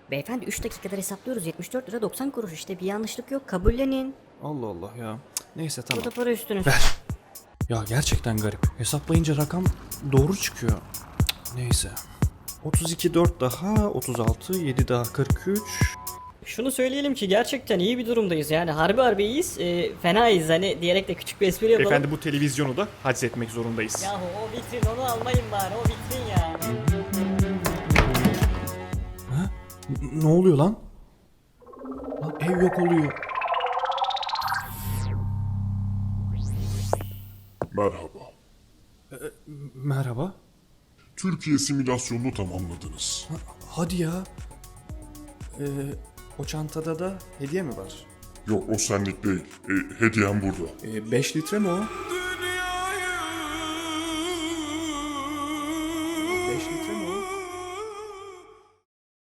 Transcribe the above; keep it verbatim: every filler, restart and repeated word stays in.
Beyefendi üç dakikada hesaplıyoruz. yetmiş dört lira doksan kuruş işte, bir yanlışlık yok, kabullenin. Allah Allah ya. Neyse tamam. Bu da para üstünüz. Ver. Ya gerçekten garip. Hesaplayınca rakam doğru çıkıyor. Neyse. otuz iki dört daha otuz altı yedi daha kırk üç. Şunu söyleyelim ki gerçekten iyi bir durumdayız yani harbi harbi iyiyiz, e, fenayız hani diyerek de küçük bir espri yapalım. Efendi bu televizyonu da haczetmek zorundayız. Yahu o vitrin onu almayın bari, o vitrin ya. Ha? N- ne oluyor lan? Lan ev yok oluyor. Merhaba. Merhaba. Türkiye simülasyonunu tamamladınız. Ha, hadi ya. Ee, o çantada da hediye mi var? Yok o senlik değil. E, hediyem burada. Ee, beş litre mi o?